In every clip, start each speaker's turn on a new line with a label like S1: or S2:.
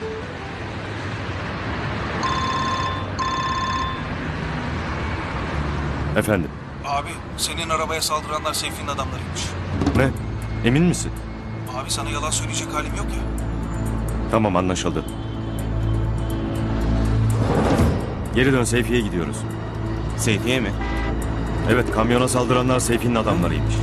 S1: Efendim?
S2: Abi senin arabaya saldıranlar Seyfi'nin adamlarıymış.
S1: Ne? Emin misin?
S2: Abi sana yalan söyleyecek halim yok ya.
S1: Tamam, anlaşıldı. Geri dön, Seyfi'ye gidiyoruz.
S3: Seyfiye mi?
S1: Evet, kamyona saldıranlar Seyfi'nin adamlarıymış.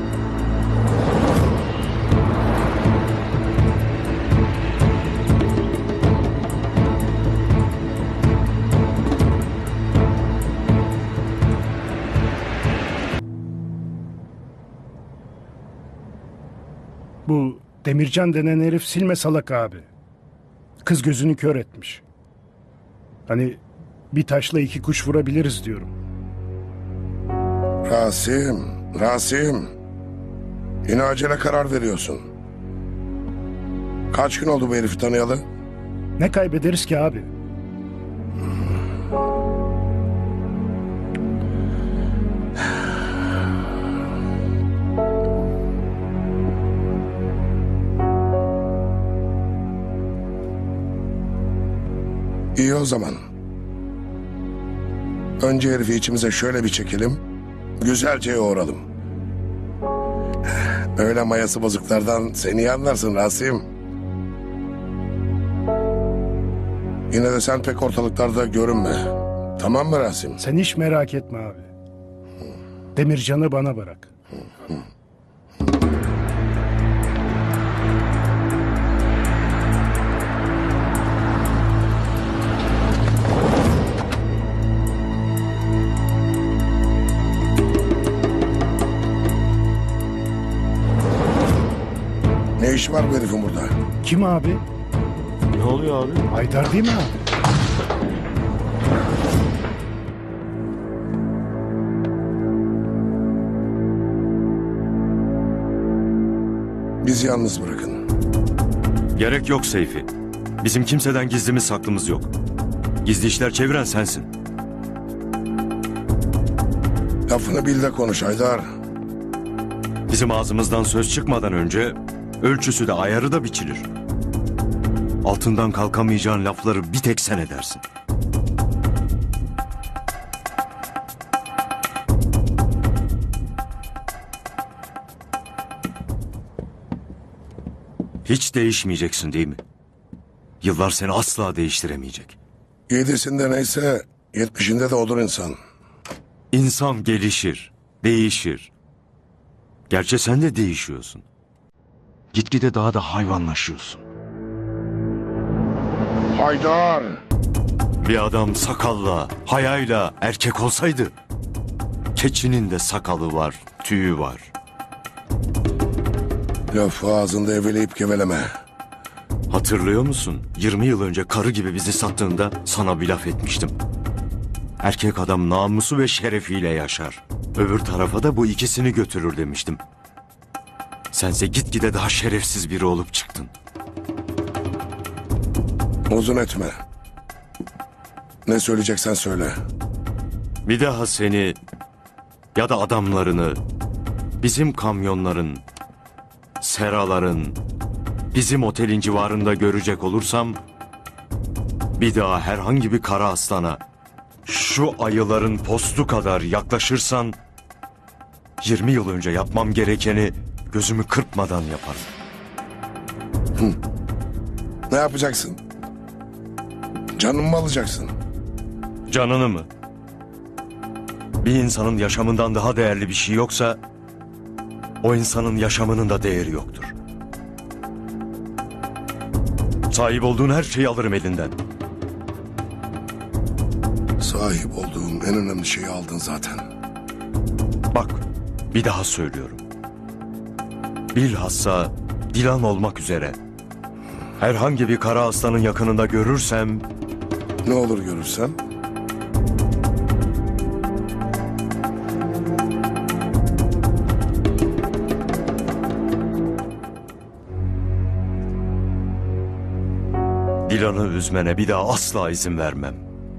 S4: Bu Demircan denen herif silme salak abi. Kız gözünü kör etmiş. Hani bir taşla iki kuş vurabiliriz diyorum.
S5: Rasim. Yine acele karar veriyorsun. Kaç gün oldu bu herifi tanıyalı?
S4: Ne kaybederiz ki abi?
S5: İyi o zaman. Önce herifi içimize şöyle bir çekelim. Güzelce yoğuralım. Öyle mayası bozuklardan seni iyi anlarsın Rasim. Yine de sen pek ortalıklarda görünme. Tamam mı Rasim?
S4: Sen hiç merak etme abi. Demircan'ı bana bırak.
S5: Ne işi var bu herifin burada?
S4: Kim abi?
S1: Ne oluyor abi?
S4: Haydar değil mi abi?
S5: Bizi yalnız bırakın.
S1: Gerek yok Seyfi. Bizim kimseden gizlimiz saklımız yok. Gizli işler çeviren sensin.
S5: Lafını bil de konuş Haydar.
S1: Bizim ağzımızdan söz çıkmadan önce ölçüsü de ayarı da biçilir. Altından kalkamayacağın lafları bir tek sen edersin. Hiç değişmeyeceksin değil mi? Yıllar seni asla değiştiremeyecek.
S5: 7'sinde neyse 70'inde de odur insan.
S1: İnsan gelişir, değişir. Gerçi sen de değişiyorsun. Gitgide daha da hayvanlaşıyorsun.
S5: Haydar!
S1: Bir adam sakalla, hayayla erkek olsaydı... keçinin de sakalı var, tüyü var.
S5: Lafı ağzında eveleyip geveleme.
S1: Hatırlıyor musun? 20 yıl önce karı gibi bizi sattığında sana bir laf etmiştim. Erkek adam namusu ve şerefiyle yaşar. Öbür tarafa da bu ikisini götürür demiştim. Sense gitgide daha şerefsiz biri olup çıktın.
S5: Uzun etme. Ne söyleyeceksen söyle.
S1: Bir daha seni ya da adamlarını, bizim kamyonların, seraların, bizim otelin civarında görecek olursam... bir daha herhangi bir kara aslana, şu ayıların postu kadar yaklaşırsan... 20 yıl önce yapmam gerekeni gözümü kırpmadan yaparım.
S5: Ne yapacaksın? Canımı mı alacaksın?
S1: Canını mı? Bir insanın yaşamından daha değerli bir şey yoksa... o insanın yaşamının da değeri yoktur. Sahip olduğun her şeyi alırım elinden.
S5: Sahip olduğum en önemli şeyi aldın zaten.
S1: Bak, bir daha söylüyorum. Bilhassa Dilan olmak üzere... herhangi bir kara aslanın yakınında görürsem...
S5: Ne olur görürsem?
S1: Dilan'ı üzmene bir daha asla izin vermem.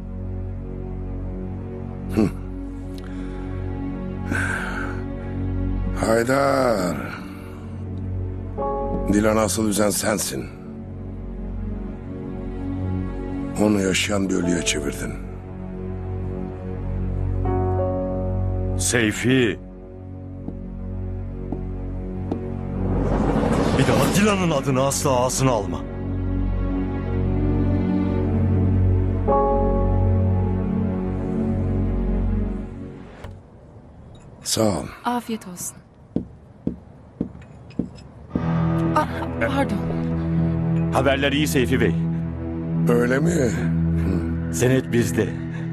S5: Haydar. Dilan'ı asıl üzen sensin. Onu yaşayan bir ölüye çevirdin.
S1: Seyfi. Bir daha Dilan'ın adını asla ağzına alma.
S5: Sağ ol.
S3: Afiyet olsun. Pardon.
S1: Haberler iyi Seyfi Bey.
S5: Öyle mi?
S1: Senet bizde.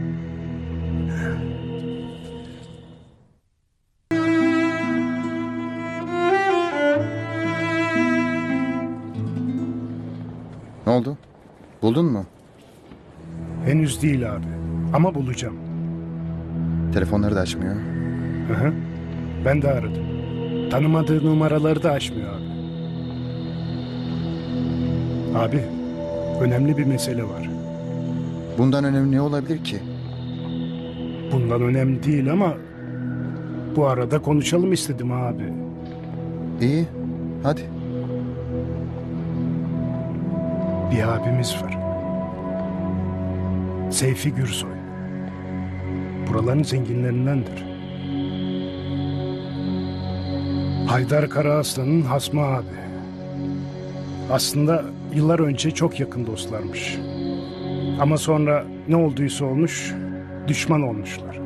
S6: Ne oldu? Buldun mu?
S4: Henüz değil abi. Ama bulacağım.
S6: Telefonları da açmıyor.
S4: Hı hı. Ben de aradım. Tanımadığı numaraları da açmıyor abi. Abi, önemli bir mesele var.
S6: Bundan önemli ne olabilir ki?
S4: Bundan önemli değil ama bu arada konuşalım istedim abi.
S6: İyi, hadi.
S4: Bir abimiz var. Seyfi Gürsoy. Buraların zenginlerindendir. Haydar Karaaslan'ın hasmı abi. Aslında yıllar önce çok yakın dostlarmış. Ama sonra ne olduysa olmuş, düşman olmuşlar.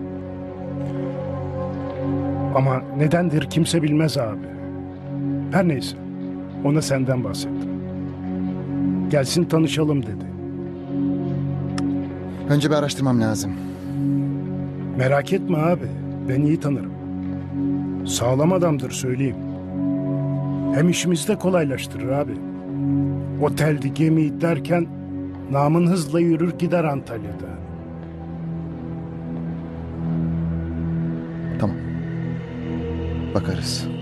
S4: Ama nedendir kimse bilmez abi. Her neyse, ona senden bahsettim. Gelsin tanışalım dedi.
S6: Önce bir araştırmam lazım.
S4: Merak etme abi, ben iyi tanırım. Sağlam adamdır söyleyeyim. Hem işimizi de kolaylaştırır abi. Oteldi, gemi derken namın hızla yürür gider Antalya'da.
S6: Tamam. Bakarız.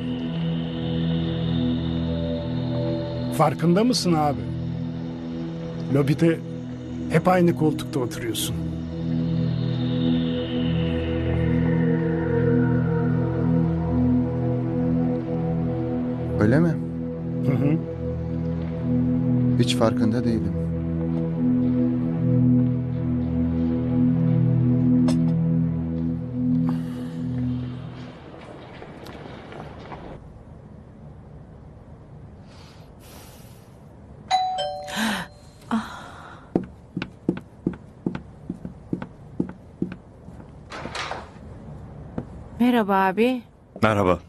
S4: Farkında mısın abi? Lobide hep aynı koltukta oturuyorsun.
S6: Öyle mi?
S4: Hı hı.
S6: Hiç farkında değilim.
S3: Merhaba abi.
S1: Merhaba.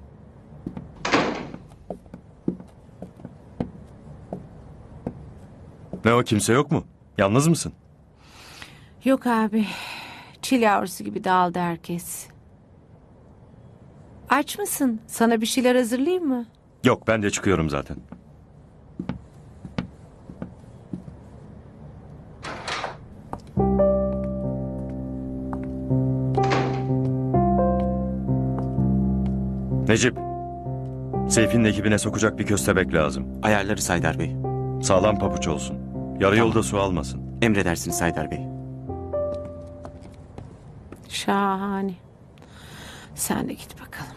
S1: Ne o, kimse yok mu? Yalnız mısın?
S3: Yok abi. Çil yavrusu gibi dağıldı herkes. Aç mısın? Sana bir şeyler hazırlayayım mı?
S1: Yok, ben de çıkıyorum zaten. Necip, Seyfi'nin ekibine sokacak bir köstebek lazım.
S7: Ayarlarız Haydar Bey.
S1: Sağlam pabuç olsun. Yarı yolda su almasın.
S7: Emredersiniz Haydar Bey.
S3: Şahane. Sen de git bakalım.